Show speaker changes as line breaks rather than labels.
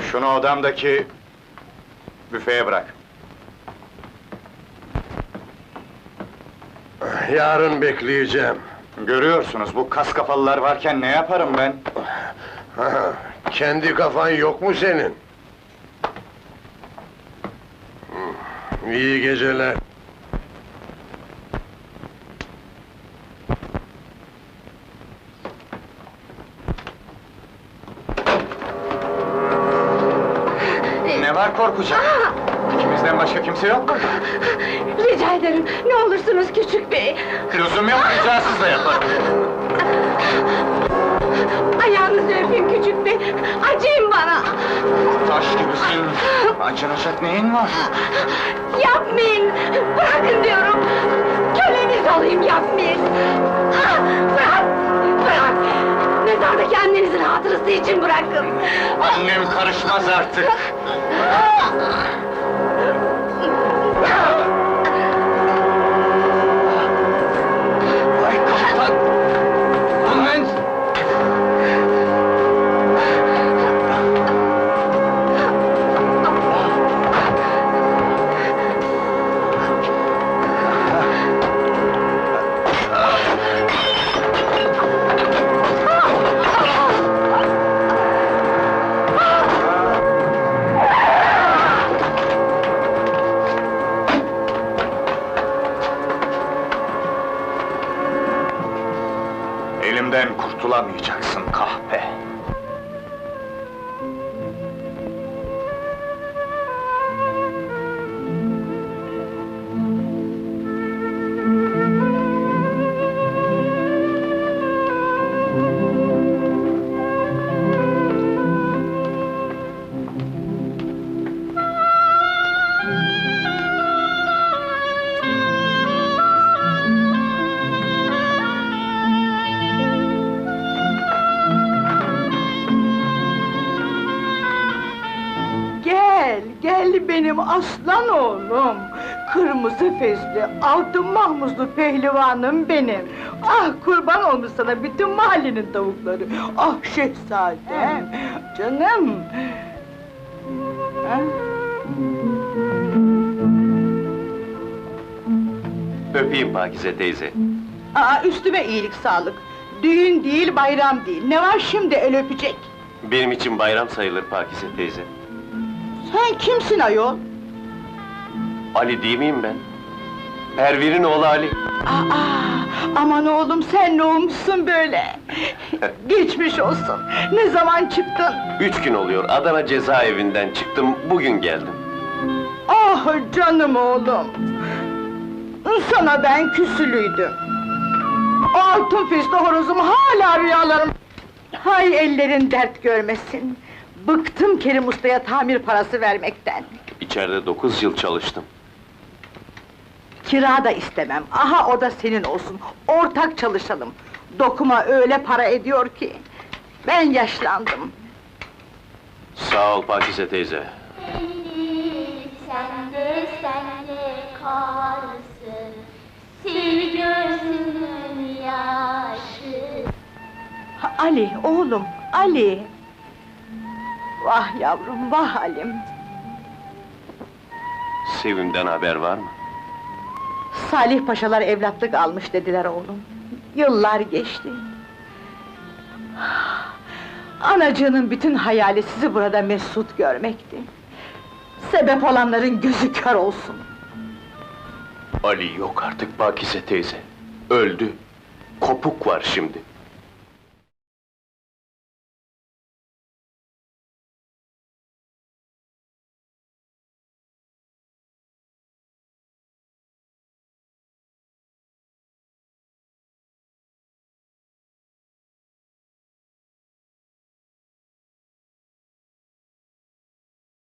Şunu odamdaki büfeye bırak.
Yarın bekleyeceğim.
Görüyorsunuz, bu kas kafalılar varken ne yaparım ben?
Kendi kafan yok mu senin? İyi geceler.
Ne var korkacak? İkimizden başka kimse yok mu?
Rica ederim, ne olursunuz küçük bey!
Lüzum yok, ricasız da yaparım.
Ayağınızı öpeyim küçük bey, acıyın bana!
Taş gibisin, acınacak neyin var?
Yapmayın! Bırakın diyorum! Köleniz olayım, yapmayın! Bırak! Bırak! Mezardaki annenizin hatırası için bırakın!
Annem karışmaz artık! Ay kaptan! Annen! Elimden kurtulamayacaksın kahpe!
Gel benim aslan oğlum! Kırmızı fezli, altın mahmuzlu pehlivanım benim! Ah kurban olmuş sana bütün mahallenin tavukları! Ah şehzadem, canım! Ha?
Öpeyim Pakize teyze.
Aa, üstüme iyilik sağlık! Düğün değil, bayram değil, ne var şimdi el öpecek?
Benim için bayram sayılır Pakize teyze.
Sen kimsin ayol?
Ali değil miyim ben? Pervin'in oğlu Ali.
Aa, aman oğlum sen ne olmuşsun böyle? Geçmiş olsun, ne zaman çıktın?
3 gün oluyor, Adana cezaevinden çıktım, bugün geldim.
Ah canım oğlum! Sana ben küsülüydüm. O altın fişli horozum hala rüyalarım... Hay ellerin dert görmesin! Bıktım Kerim Usta'ya tamir parası vermekten!
İçeride 9 yıl çalıştım.
Kira da istemem, aha o da senin olsun, ortak çalışalım! Dokuma öyle para ediyor ki... Ben yaşlandım!
Sağ ol Pakize teyze.
Sende kalsın, sil gözünün yaşı.
Ali, oğlum, Ali! Vah yavrum, vah Halim!
Sevim'den haber var mı?
Salih paşalar evlatlık almış dediler oğlum. Yıllar geçti. Anacığının bütün hayali sizi burada mesut görmekti. Sebep olanların gözü kör olsun.
Ali yok artık Pakize teyze. Öldü. Kopuk var şimdi.